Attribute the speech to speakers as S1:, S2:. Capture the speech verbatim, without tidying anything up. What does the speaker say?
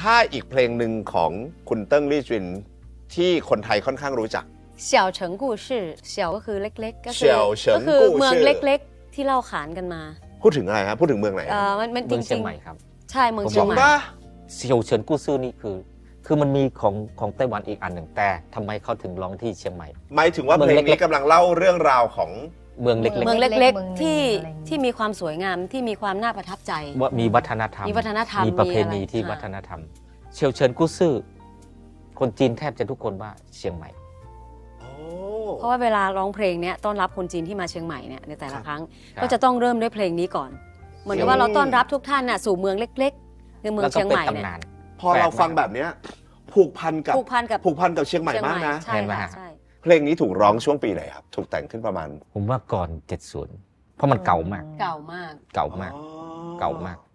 S1: ถ้าอีกเพลงหนึ่งของคุณเติ้งลี่จินที่คนไทยค่อนข้างรู้จัก
S2: เสี่ยวเฉิงกู่ชื่อเสี่ยวก็คือเล็กๆก็คื
S1: ก็
S2: คือเมืองเล็กๆที่เล่าขานกันมา
S1: พูดถึงอะไรครับพูดถึงเมืองไหน
S2: เออมันมันจ
S3: เมืองเชี
S2: ริ
S3: ยง
S2: ง
S3: ใหม่ครับ
S2: ๆใช่เมืองเชียงใหม่
S3: เซียวเฉินกู้ซื่อนี่คือ คือมันมีของของไต้หวันอีกอันหนึ่งแต่ทำไมเขาถึงร้องที่เชียงใหม่
S1: หมายถึงว่าเพลงนี้กำลังเล่าเรื่องราวของ
S3: เมืองเล็ก
S2: เมืองเล็ก
S4: เมือง
S2: ๆที่
S4: อะไรอย่างเงี้ย
S2: ที่มีความสวยงามที่มีความน่าประทับใจ
S3: ๆว่ามีวัฒนธรรม
S2: มีวัฒนธรรม
S3: มีประเพณี
S2: มีอะไร
S3: ที่
S2: ค่ะ
S3: วัฒนธรรมเซียวเฉินกู้ซื่อคนจีนแทบจะทุกคนว่าเชียงใหม่
S2: เพราะว่าเวลาร้องเพลงเนี้ยต้อนรับคนจีนที่มาเชียงใหม่เนี่ยในแต่ละครั้ง
S3: ครับ
S2: ก็จะต้องเริ่มด้วยเพลงนี้ก่อน เหมือนกับว่าเราต้อนรับทุกท่านน่ะสู่เมืองเล็กๆคือเมือง
S3: แล้วก็
S2: เชียง
S3: เป็
S2: ให
S3: น
S2: ม่เนี่ย
S3: ตำนาน
S1: พอเราฟังแบบเนี้ยผูกพันกับ
S2: ผูกพันกับ
S1: ผูกพันกับเชียงใหม่
S2: เชียง
S1: มาก
S2: ใหม่
S1: นะ
S2: ใช่
S3: เห็นไหม
S2: ค่ะ
S3: ฮะ
S2: ใช่
S1: เพลงนี้ถูกร้องช่วงปีไหนครับถูกแต่งขึ้นประมาณ
S3: ผมว่าก่อนเจ็ดสิบเพราะมันเก่ามาก
S2: เก่ามาก
S3: เก่ามาก
S1: อ๋อ
S3: เก่ามาก